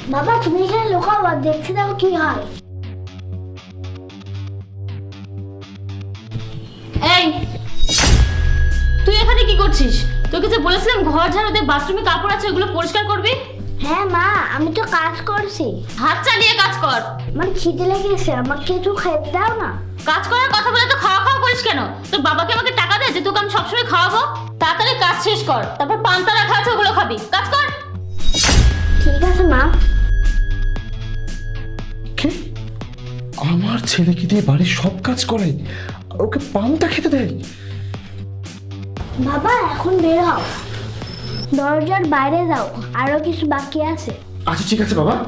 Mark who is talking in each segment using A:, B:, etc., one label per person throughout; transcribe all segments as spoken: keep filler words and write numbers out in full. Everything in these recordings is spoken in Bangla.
A: বাবা তুমি এখানে লুকাও আর দেখতে দাও কি হয়।
B: এই তুই এখানে কি করছিস? তোকে যে বলেছিলাম ঘর ঝাড়ু দিয়ে বাথরুমে কাপড় আছে ওগুলো পরিষ্কার করবি।
A: হ্যাঁ মা, আমি তো কাজ করছি।
B: হাত চালিয়ে কাজ কর।
A: আমার খিদে লেগেছে, আমাকে একটু খেতে দাও না।
B: কাজ করার কথা বলে তো খাওয়া খাওয়া করিস কেন? তোর বাবাকে আমাকে টাকা দে যে তোকে আমি সবসময় খাওয়াবো। তাড়াতাড়ি কাজ শেষ কর, তারপর পান্তা রাখা আছে ওগুলো খাবি। কাজ কর।
A: ঠিক আছে মা।
C: কি? আমার ছেলেকে দিয়ে বাড়ির সব কাজ করে আর ওকে পান্তা খেতে দেয়?
A: বাবা এখন বের হও, দরজার বাইরে যাও, আরো কিছু বাকি আছে।
C: আচ্ছা ঠিক আছে বাবা।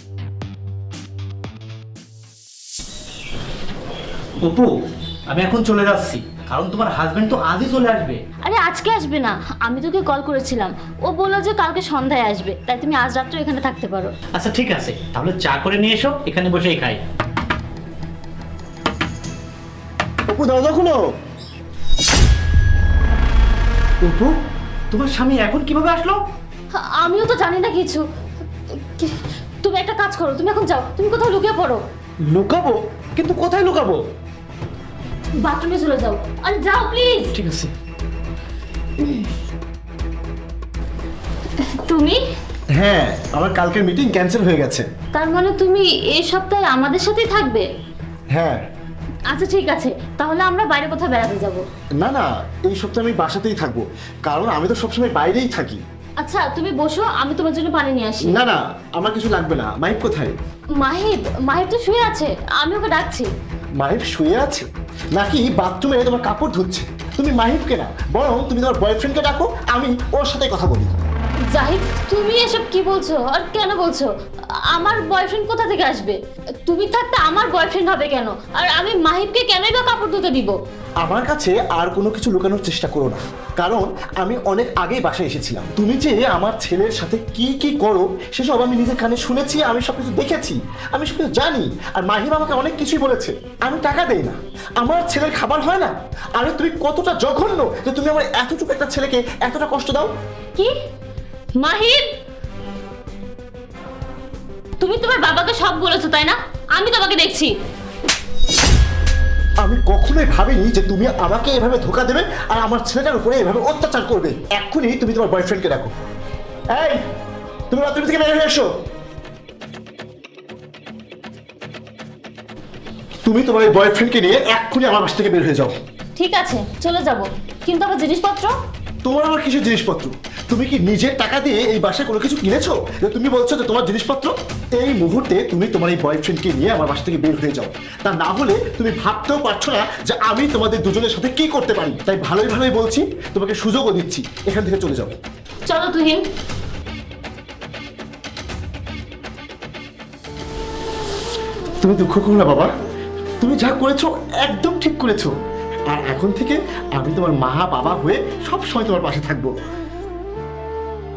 D: অপু, আমি এখন চলে যাচ্ছি, কারণ তোমার হাজবেন্ড তো আজই চলে আসবে।
B: আরে আজকে আসবে না, আমি তোকে কল করেছিলাম, ও বললো যে কালকে সন্ধ্যায় আসবে, তাই তুমি আজ রাত্রে এখানে থাকতে পারো।
D: আচ্ছা ঠিক আছে, তাহলে চা করে নিয়ে এসো, এখানে বসেই খাই।
C: অপু দরজা খুলো।
D: অপু, তোমার স্বামী এখন কিভাবে আসলো?
B: আমিও তো জানি না কিছু। কি- তুমি একটা কাজ করো, তুমি এখন যাও, তুমি কোথাও লুকিয়ে পড়ো।
C: লুকাবো? কিন্তু কোথায় লুকাবো?
B: বাথরুমে চলে যাও। আরে যাও প্লিজ।
C: ঠিক আছে।
B: তুমি?
C: হ্যাঁ, আমার কালকের মিটিং ক্যান্সেল হয়ে গেছে।
B: তার মানে তুমি এই সপ্তাহে আমাদের সাথেই থাকবে?
C: হ্যাঁ।
B: আচ্ছা ঠিক আছে, তাহলে আমরা বাইরে কোথাও বেড়াতে যাব।
C: না না, এই সপ্তাহে আমি বাসাতেই থাকবো, কারণ আমি তো সবসময় বাইরেই থাকি।
B: আচ্ছা তুমি বসো, আমি তোমার জন্য পানি নিয়ে আসি।
C: না না, আমার কিছু লাগবে না। মাহিব কোথায়?
B: মাহিব? মাহিব তো শুয়ে আছে, আমি ওকে ডাকছি।
C: মাহিব শুয়ে আছে নাকি বাথরুমে তোমার কাপড় ধুচ্ছে? তুমি মাহিবকে না, বরং তুমি তোমার বয়ফ্রেন্ডকে ডাকো, আমি ওর সাথে কথা বলি।
B: জাহিদ, তুমি এসব কি বলছো আর কেন বলছো? আমার বয়ফ্রেন্ড কোথা থেকে আসবে? তুমি থাকতে আমার বয়ফ্রেন্ড হবে কেন? আর আমি মাহিবকে কেনই বা কাপড় ধুতে দিব?
C: আমার কাছে আর কোনো কিছু লুকানোর চেষ্টা করো না, কারণ আমি অনেক আগেই বাসায় এসেছিলাম। তুমি যে আমার ছেলের সাথে কি কি করো সেসব আমি নিজের কানে শুনেছি, আমি সব কিছু দেখেছি, আমি সব কিছু জানি। আর মাহিব আমাকে অনেক কিছুই বলেছে। আমি টাকা দেই না, আমার ছেলের খাবার হয় না। আরে তুমি কতটা জঘন্য যে তুমি আমার এতটুকু একটা ছেলেকে এতটা কষ্ট দাও।
B: কি? মাহিব, তুমি তোমার বাবাকে সব বলেছো তাই না? আমি তোমাকে দেখছি।
C: আমি কখনোই ভাবিনি যে তুমি আমাকে এভাবে ধোকা দেবে আর আমার ছেলেটার উপরে এভাবে অত্যাচার করবে। এক্ষুনি তুমি তোমার বয়ফ্রেন্ডকে ডাকো। এই, তুমি বাথরুম থেকে বের হয়ে এসো। তুমি তোমার এই বয়ফ্রেন্ডকে নিয়ে এক্ষুনি আমার বাসা থেকে বের হয়ে যাও।
B: ঠিক আছে চলে যাব, কিন্তু আমার জিনিসপত্র?
C: তোমার আমার কিসের জিনিসপত্র? তুমি কি নিজের টাকা দিয়ে এই বাসায় কোনো কিছু কিনেছো যে তুমি বলছো যে তোমার জিনিসপত্র? এই মুহূর্তে তুমি তোমার এই বয়ফ্রেন্ডকে নিয়ে আমার বাসা থেকে বের হয়ে যাও, তা না হলে তুমি ভাবতেও পারছো না যে আমি তোমাদের দুজনের সাথে কি করতে পারি। তাই ভালোই ভালোই বলছি, তোমাকে সুযোগও দিচ্ছি, এখান থেকে চলে যাও।
B: চলো তুহিন।
C: তুমি দুঃখ করো না বাবা, তুমি যা করেছো একদম ঠিক করেছো। আর এখন থেকে আমি তোমার মা বাবা হয়ে সব সময় তোমার পাশে থাকবো।